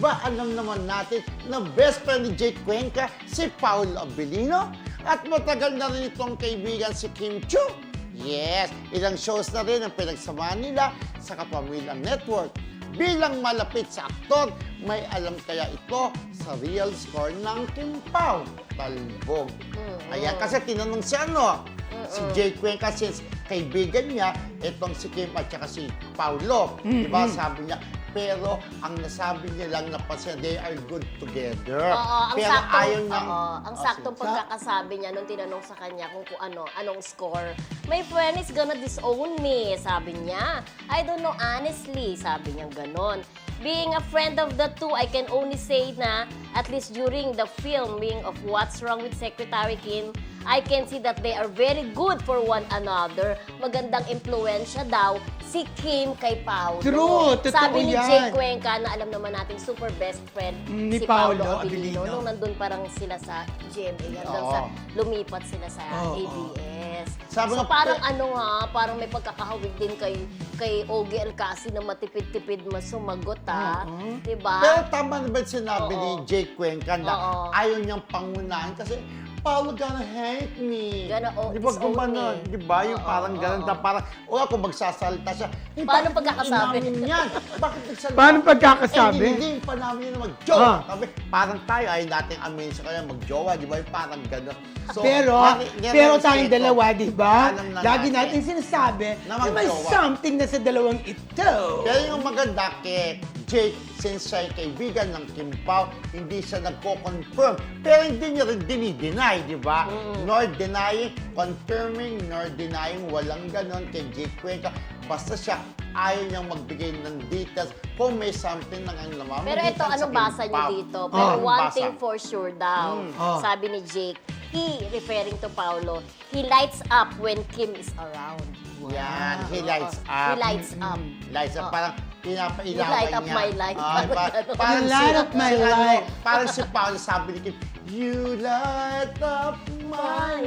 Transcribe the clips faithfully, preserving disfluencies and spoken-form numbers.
ba alam naman natin na best friend ni Jake Cuenca si Paolo Abilino? At matagal na rin itong kaibigan si Kim Chiu. Yes, ilang shows na rin ang pinagsamahan nila sa Kapamilya Network. Bilang malapit sa aktor, may alam kaya ito sa real score ng Kim Pao? Talbog. Mm-hmm. Ayan, kasi tinanong si ano, mm-hmm. si Jake Cuenca, since kaibigan niya, itong si Kim at saka si Paolo. Mm-hmm. Diba, sabi niya, pero ang nasabi niya lang na kasi they are good together. Oo, ang pero saktong, ayaw niyang... oo, ang Oh, saktong sige. pagkakasabi niya nung tinanong sa kanya kung, kung ano, anong score. My friend is gonna disown me, sabi niya. I don't know honestly, sabi niya ganon. Being a friend of the two, I can only say na at least during the filming of What's Wrong with Secretary Kim, I can see that they are very good for one another. Magandang impluensya daw si Kim kay Paolo. True, totoo Sabi ni yan. Jake Cuenca na alam naman nating super best friend Mm, ni si Paolo Paolo Abilino. Abilino. Nung nandun parang sila sa G M A, hanggang Oo. sa lumipat sila sa Oo. A B S. Sabi So nga, parang pe- ano ha, parang may pagkakahawig din kay kay Ogie Alcasi na matipid-tipid mas sumagot ha. Oo. Diba? Pero tama na ba yung sinabi Oo. ni Jake Cuenca na Oo. ayaw niyang pangunahan kasi Paolo gonna hate me. Gonna o- Di ba disown gumanon? me. Di ba? Yung Oo, parang ganun oo. na parang, o ako magsasalita siya. Eh, Paano bakit pagkakasabi? inamin yan? Bakit nagsalita? Paano pagkakasabi? Eh, hindi pa namin yun mag-jowa. Ah. Sabi, parang tayo ay nating amin sa kanya mag-jowa. Di ba? Yung parang ganun. So, pero, nari- pero nire-respeto. tayong dalawa, di ba? Alam na Lagi natin. natin sinasabi Na na may magjowa. something na sa dalawang ito. Pero yung maganda kay Jake, since siya ay kaibigan ng Kim Pao, hindi siya nagko-confirm. Pero hindi niya rin dinideny, di ba? Nor denying, confirming, nor denying, walang ganon kay Jake Cuenca. Basta siya, ayaw niyang magbigay ng details kung may something nang ang namamagitan Pero ito, sa anong Kim basa niyo Pao. dito? Oh, Pero anong one basa? thing for sure daw, Mm. Oh. sabi ni Jake, he, referring to Paolo, he lights up when Kim is around. Yan, he Oo. lights up. He lights up. Lights up, Oo. parang pinapailawan You light up niya. my life. Ah, Parang pa- ganun. parang You si, light up my si ano, life. parang si Paolo sabi ni Kim, you light up my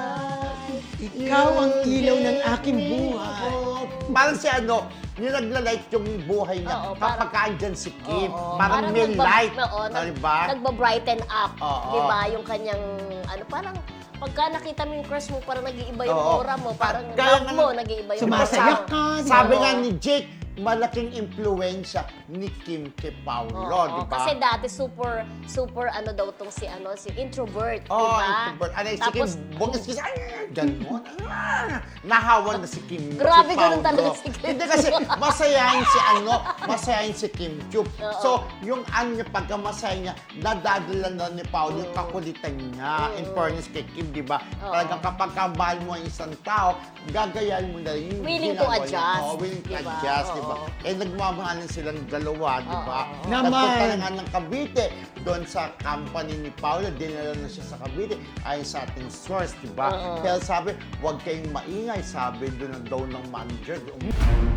life. Ikaw ang You ilaw ng give aking me buhay. hope. Parang si ano, yung nagla-light yung buhay niya Oo, kapag parang- kaandyan si Kim. Oo. Parang, may nagba- light. Oo, Ah, nag, diba? Nagba-brighten up. Oo. Diba? Yung kanyang, ano, parang, pagka nakita mo yung crush mo, parang nag-iiba yung Oo. aura mo. Parang Kaya love nga- mo, nag-iiba yung Sumasaya aura mo. ka, di ba? Sabi Oo. nga ni Jake, malaking impluensya ni Kim kay Paolo, Oo, di ba? Kasi dati super, super ano daw tong si ano, si introvert, Oh, di ba? introvert. Ano, si Kim, Tapos, bungis kasi, ay, gano'n. Ah, nahawan na si Kim. Grabe, si ganun Paolo. talaga si Kim. Hindi kasi, masayahin si ano, masayahin si Kim Chiu. Oo. So, yung ano niya, pagka masaya niya, nadadala na ni Paolo yung kakulitan niya. In fairness kay Kim, di ba? Oo. Talagang kapag kamahal mo ang isang tao, gagayahin mo na rin yung Willing to ginagawa niya. adjust, Oo, willing to di ba? adjust, di ba? Oo. Eh, nagmamahalan silang dalawa, di ba? Oo. Naman. Nagpunta na nga ng Cavite, doon sa company ni Paolo, dinala na siya sa Cavite, ayon sa ating source, di ba? Oo. Kaya sabi, huwag kayong maingay, sabi doon daw ng manager.